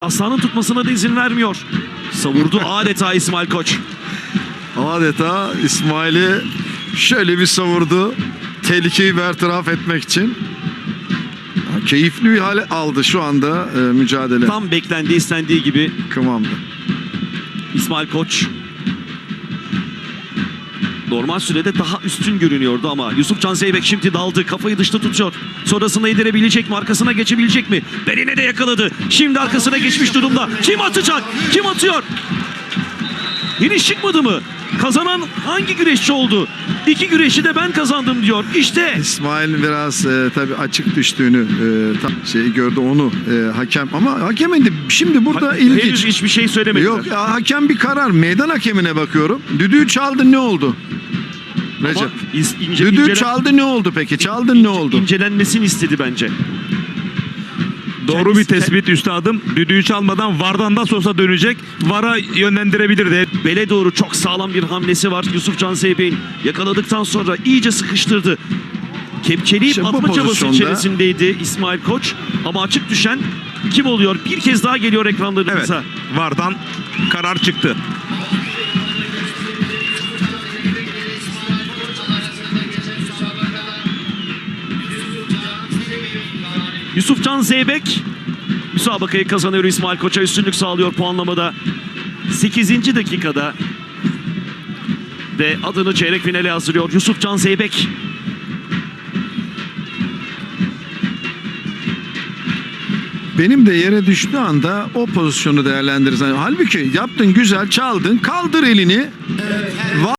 Aslanın tutmasına da izin vermiyor. Savurdu adeta İsmail Koç. Adeta İsmail'i şöyle bir savurdu. Tehlikeyi bertaraf etmek için. Keyifli bir hale aldı şu anda mücadele. Tam beklendiği, istendiği gibi Kıvamda. İsmail Koç normal sürede daha üstün görünüyordu ama Yusufcan Zeybek şimdi daldı. Kafayı dışta tutuyor. Sonrasında indirebilecek mi? Arkasına geçebilecek mi? Beline de yakaladı. Şimdi arkasına geçmiş durumda. Kim atacak? Kim atıyor? Finish çıkmadı mı? Kazanan hangi güreşçi oldu? İki güreşi de ben kazandım diyor. İşte İsmail biraz tabii açık düştüğünü gördü onu hakem, ama hakemin de şimdi burada ilginç. henüz hiçbir şey söylemediler. Yok ya, hakem bir karar. Meydan hakemine bakıyorum. Düdüğü çaldı, ne oldu? Recep. Düdüğü çaldı, ne oldu peki? Çaldın, ne oldu? İncelenmesini istedi bence. Doğru bir tespit üstadım. Düdüğü çalmadan VAR'dan da olsa dönecek. VAR'a yönlendirebilirdi. Bele doğru çok sağlam bir hamlesi var. Yusufcan Zeybek'in yakaladıktan sonra iyice sıkıştırdı. Kepçeleyip İşte bu atma çabası pozisyonda içerisindeydi İsmail Koç. Ama açık düşen kim oluyor? Bir kez daha geliyor Evet. ekranlarımıza. VAR'dan karar çıktı. Yusufcan Zeybek müsabakayı kazanıyor. İsmail Koç'a üstünlük sağlıyor puanlamada. 8. dakikada ve adını çeyrek finale hazırlıyor Yusufcan Zeybek. Benim de yere düştüğü anda o pozisyonu değerlendirirsen. Halbuki yaptın, güzel çaldın, kaldır elini.